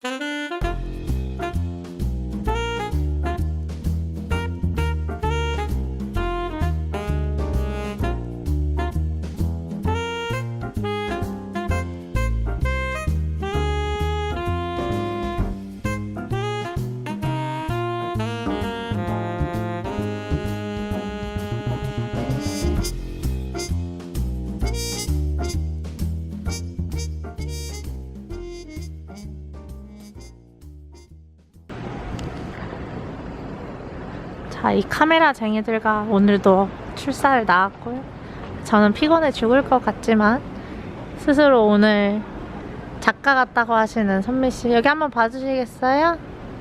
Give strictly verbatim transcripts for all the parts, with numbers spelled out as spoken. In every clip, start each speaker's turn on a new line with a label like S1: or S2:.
S1: 자, 이 카메라 쟁이들과 오늘도 출사를 나왔고요. 저는 피곤해 죽을 것 같지만 스스로 오늘 작가 같다고 하시는 선미씨, 여기 한번 봐주시겠어요?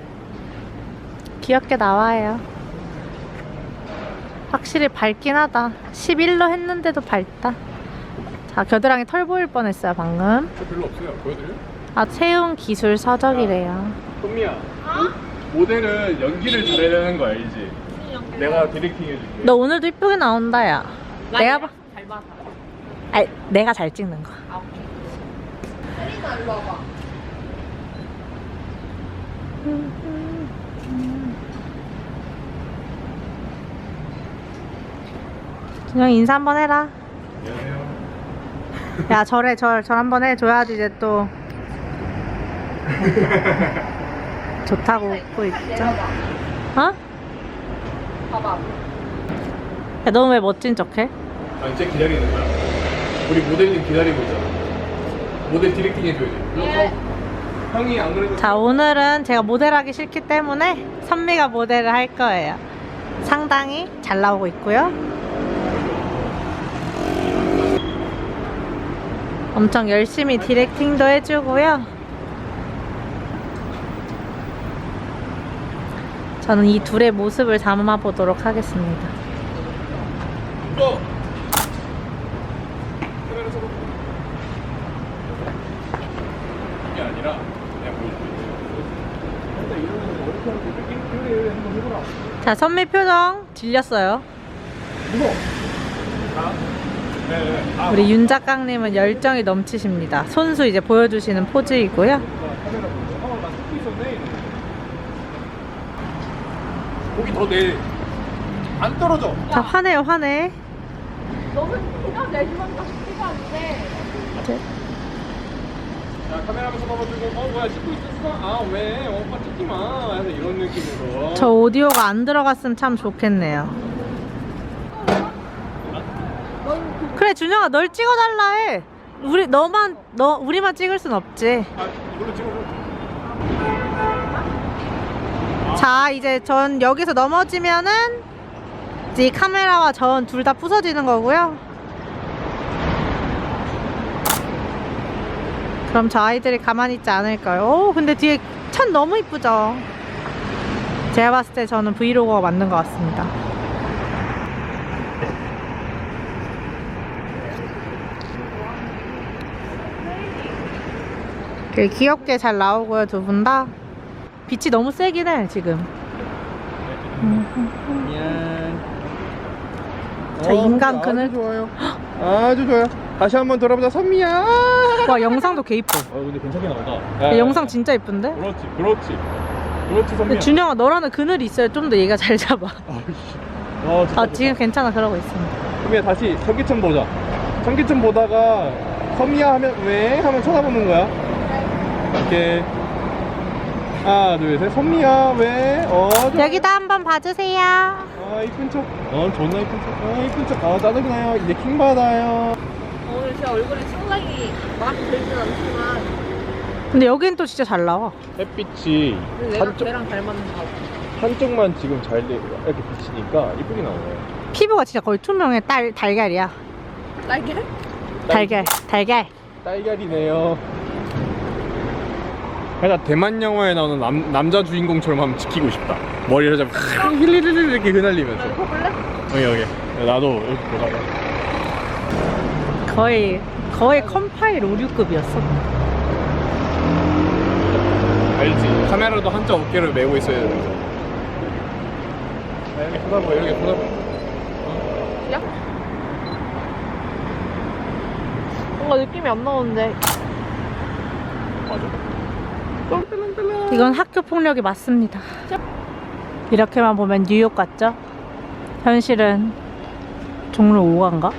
S1: 귀엽게 나와요. 확실히 밝긴 하다. 십일로 했는데도 밝다. 자, 겨드랑이 털 보일 뻔했어요 방금.
S2: 저 별로 없어요. 보여드려요?
S1: 아, 채용 기술 서적이래요.
S2: 선미야, 어? 모델은 연기를 잘해야 되는 거 알지? 내가 디렉팅 해줄게.
S1: 너 오늘도 이쁘게 나온다 야. 내가 봐.
S3: 잘 봐.
S1: 아니, 내가 잘 찍는 거.
S3: 아, 오케이. 혜린아, 일로 와봐.
S1: 그냥 인사 한번 해라.
S2: 안녕하세요.
S1: 야, 절해 절. 절 한번 해줘야지 이제 또 좋다고 웃고 있죠. 어?
S3: 봐봐.
S1: 야, 너 왜 멋진 척해?
S2: 아, 이제 기다리는 거야. 우리 모델님 기다리고 있잖아. 모델 디렉팅 해줘야지. 그래서 형이 안 그래도
S1: 자, 오늘은 제가 모델하기 싫기 때문에 선미가 모델을 할 거예요. 상당히 잘 나오고 있고요. 엄청 열심히 디렉팅도 해주고요. 저는 이 둘의 모습을 담아보도록 하겠습니다.
S2: 어! 카메라 잡아. 이게 아니라 그냥 보여줄게. 일단 이러면 어렵게 하는데 그래 한번 해보라.
S1: 자, 선미 표정 질렸어요.
S2: 무서워. 자. 네네. 아,
S1: 우리 윤 작가님은 열정이 넘치십니다. 손수 이제 보여주시는 포즈이고요.
S2: 카메라 보고. 어, 나 찍고 있었네. 고기 더 내. 안 떨어져.
S1: 자, 화내요, 화내.
S3: 너는 그냥 내주면 다 쉽지가 않네.
S2: 자, 카메라 한번 쳐다봐주고, 어, 뭐야, 찍고 있었어? 아, 왜? 어, 오빠 찍지 마. 해서 이런 느낌으로.
S1: 저 오디오가 안 들어갔으면 참 좋겠네요. 그래, 준영아, 널 찍어달라 해. 우리 너만 너 우리만 찍을 순 없지.
S2: 아, 이걸로 찍어줘.
S1: 자, 이제 전 여기서 넘어지면은 이제 이 카메라와 전 둘 다 부서지는 거고요. 그럼 저 아이들이 가만히 있지 않을까요? 오, 근데 뒤에 천 너무 이쁘죠? 제가 봤을 때 저는 브이로그가 맞는 것 같습니다. 되게 귀엽게 잘 나오고요, 두 분 다. 빛이 너무 세긴 해, 지금.
S2: 미안.
S1: 저 인간 그늘.
S2: 아주 좋아요. 아주 좋아요. 다시 한번 돌아보자, 선미야.
S1: 와, 영상도 개 이뻐.
S2: 어, 근데 괜찮게 나온다.
S1: 야, 영상 진짜 이쁜데?
S2: 그렇지, 그렇지. 그렇지, 선미야.
S1: 근데 준영아, 너라는 그늘이 있어야 좀 더 얘가 잘 잡아.
S2: 아이씨. 어, 진짜
S1: 아,
S2: 좋다.
S1: 지금 괜찮아, 그러고 있습니다.
S2: 선미야, 다시 전기천 보자. 전기천 보다가 선미야 하면 왜? 하면 쳐다보는 거야. 이렇게. 하나, 둘, 셋. 선미야, 왜? 어, 좋아.
S1: 여기도 한번 봐주세요.
S2: 아, 이쁜 척. 어, 존나 이쁜 척. 아, 이쁜 척. 아, 짜증나요. 이제 킹 받아요.
S3: 오늘 제 얼굴이 상당히 마음에 들진 않지만
S1: 근데 여긴 또 진짜 잘 나와.
S2: 햇빛이
S3: 근데 내가
S2: 한쪽,
S3: 걔랑 잘 맞는 거 같아.
S2: 한쪽만 지금 잘 돼- 이렇게 비치니까 이쁘게 나오네.
S1: 피부가 진짜 거의 투명해. 딸, 달걀이야.
S3: 날개?
S1: 달걀, 달걀.
S2: 딸걀이네요. 살짝 대만 영화에 나오는 남, 남자 주인공처럼 한번 지키고 싶다. 머리를 잡고 힐리리리 이렇게 휘날리면서.
S3: 해볼래?
S2: 여기 여기. 나도 이렇게 보다가.
S1: 거의, 거의 컴파일 오류급이었어.
S2: 알지? 카메라도 한자 어깨를 메고 있어야 되는데. 아, 이렇게 쳐다봐, 이렇게 쳐다봐.
S3: 야? 뭔가 느낌이 안 나오는데.
S2: 맞아. 똥떨렁떨렁.
S1: 이건 학교 폭력이 맞습니다. 이렇게만 보면 뉴욕 같죠? 현실은 종로 오 가인가?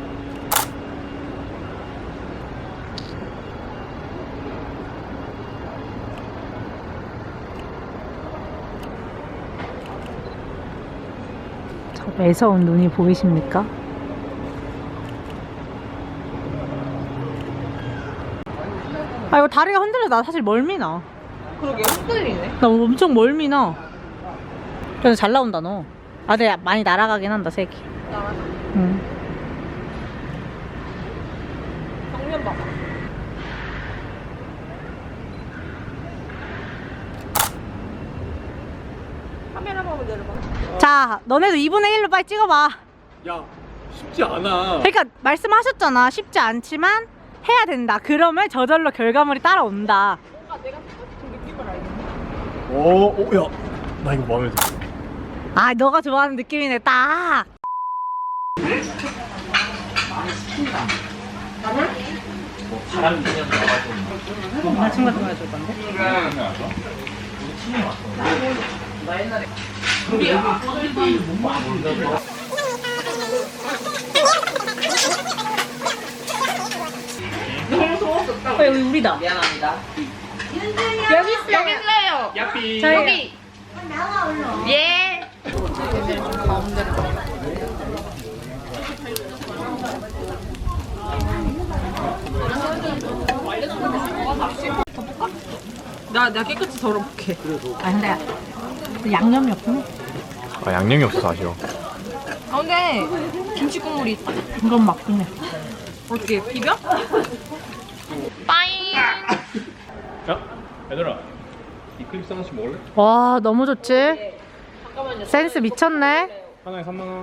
S1: 저 매서운 눈이 보이십니까? 아 이거 다리가 흔들려. 나 사실 멀미나.
S3: 그러게 흔들리네.
S1: 나 엄청 멀미나. 그래서 잘 나온다 너. 아 근데 많이 날아가긴 한다 색이.
S3: 나가자.
S1: 응.
S3: 정면 봐봐. 카메라 보면 내려봐.
S1: 자 너네도 이분의 일로 빨리 찍어봐.
S2: 야 쉽지 않아.
S1: 그러니까 말씀하셨잖아. 쉽지 않지만 해야 된다. 그러면 저절로 결과물이 따라온다.
S3: 뭔가 내가 생각했던 느낌을 알겠네.
S2: 오오야나 이거 마음에 들어.
S1: 아 너가 좋아하는 느낌이네 딱. 남자친구 같은 거 해줄 건데? 어, 여기 우리다.
S3: 미안합니다.
S1: 여기 있어요.
S3: 여기 있어요.
S2: 야삐.
S1: 저희
S3: 예. 나, 내가 깨끗이 덜어볼게.
S1: 아 근데 양념이 없네.
S2: 아 양념이 없어서 아쉬워.
S3: 아, 근데 김치 국물이 있다.
S1: 이건 맞긴 해.
S3: 어떻게 비벼? 빠잉.
S2: 야 얘들아 이클립스 하나씩 먹을래?
S1: 와 너무 좋지?
S3: 잠깐만요.
S1: 센스 미쳤네.
S2: 하나에 삼만 원.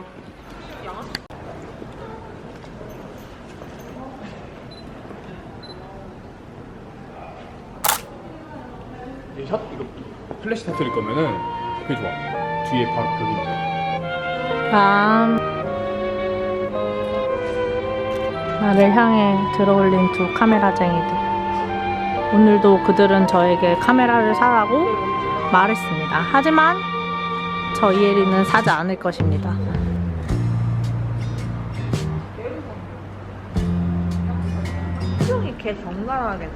S2: 이 샷 이거 플래시 터뜨릴 거면은 그게 좋아. 뒤에 바로 벽인데.
S1: 다음 나를 향해 들어올린 두 카메라쟁이들. 오늘도 그들은 저에게 카메라를 사라고 말했습니다. 하지만 저 이혜리는 사지 않을 것입니다.
S3: 수영이 개 정갈하게.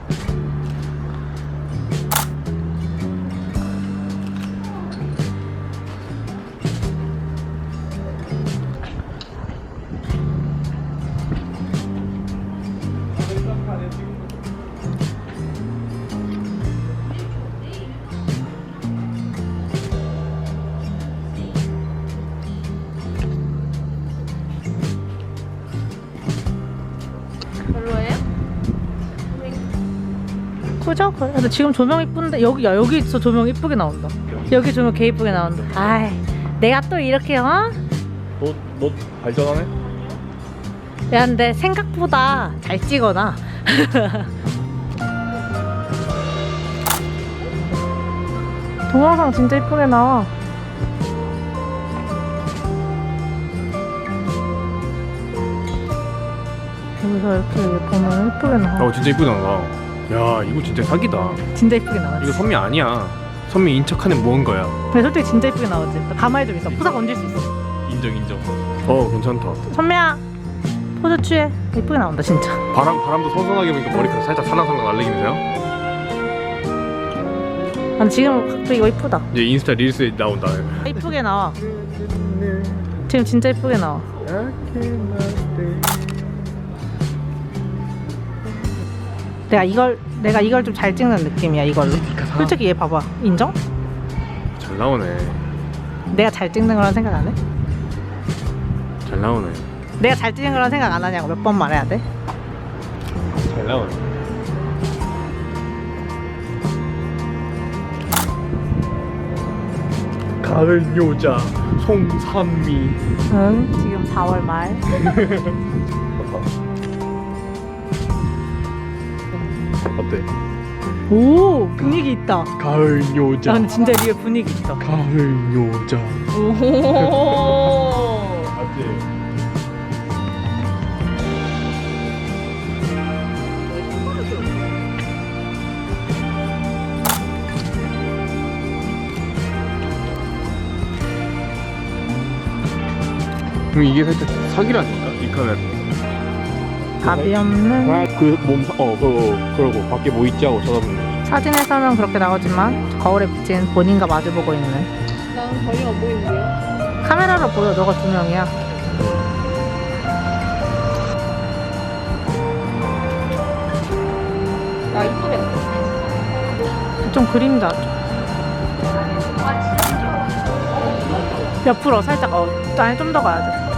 S3: 별로예요?
S1: 그죠? 근데 지금 조명 이쁜데 여기 야 여기 있어. 조명 이쁘게 나온다. 여기 조명 개 이쁘게 나온다. 아이 내가 또 이렇게 어?
S2: 너 너 발전하네?
S1: 야 근데 생각보다 잘 찍어놔. 동영상 진짜 이쁘게 나와. 여기서 이렇게 보면 이쁘게 나와.
S2: 어 진짜 이쁘다 나. 야 이거 진짜 사기다.
S1: 진짜 이쁘게 나와.
S2: 이거 선미 아니야. 선미 인척하는 무언가야.
S1: 근데 솔직히 진짜 이쁘게 나오지. 가만히 좀 있어. 푸사 건질 수 있어.
S2: 인정 인정. 어 괜찮다.
S1: 선미야 포즈 취해. 이쁘게 나온다 진짜.
S2: 바람 바람도 선선하게 보니까 머리카락 살짝 살랑살랑 날리기면서요.
S1: 난 지금 각도 이거 이쁘다.
S2: 이제 인스타 릴스에 나온다.
S1: 이쁘게 나와. 지금 진짜 이쁘게 나와. 내가 이걸 내가 이걸 좀 잘 찍는 느낌이야 이걸로. 솔직히 얘 봐봐. 인정?
S2: 잘 나오네.
S1: 내가 잘 찍는 거란 생각 안 해?
S2: 잘 나오네.
S1: 내가 잘 찍는 거란 생각 안 하냐고 몇 번 말해야 돼?
S2: 잘 나오네. 가을 여자 송산미.
S1: 응 지금 사월 말.
S2: 어때?
S1: 오 분위기 있다.
S2: 가을
S1: 야
S2: 여자.
S1: 근데 진짜 리얼 분위기 있다.
S2: 가을 여자.
S3: 오.
S2: 맞지? 그럼 이게 살짝 사기라니까 이 카메라.
S1: 답이 없는
S2: 그몸 어, 그 그러고 밖에 뭐 있지 하고 쳐다보는 거.
S1: 사진에서는 그렇게 나오지만 거울에 비친 본인과 마주보고 있는
S3: 난 전혀 안 보이는데요.
S1: 카메라로 보여. 너가 두 명이야.
S3: 나 이쁘게.
S1: 좀 그림자. 옆으로 살짝 어 아니 좀 더 가야 돼.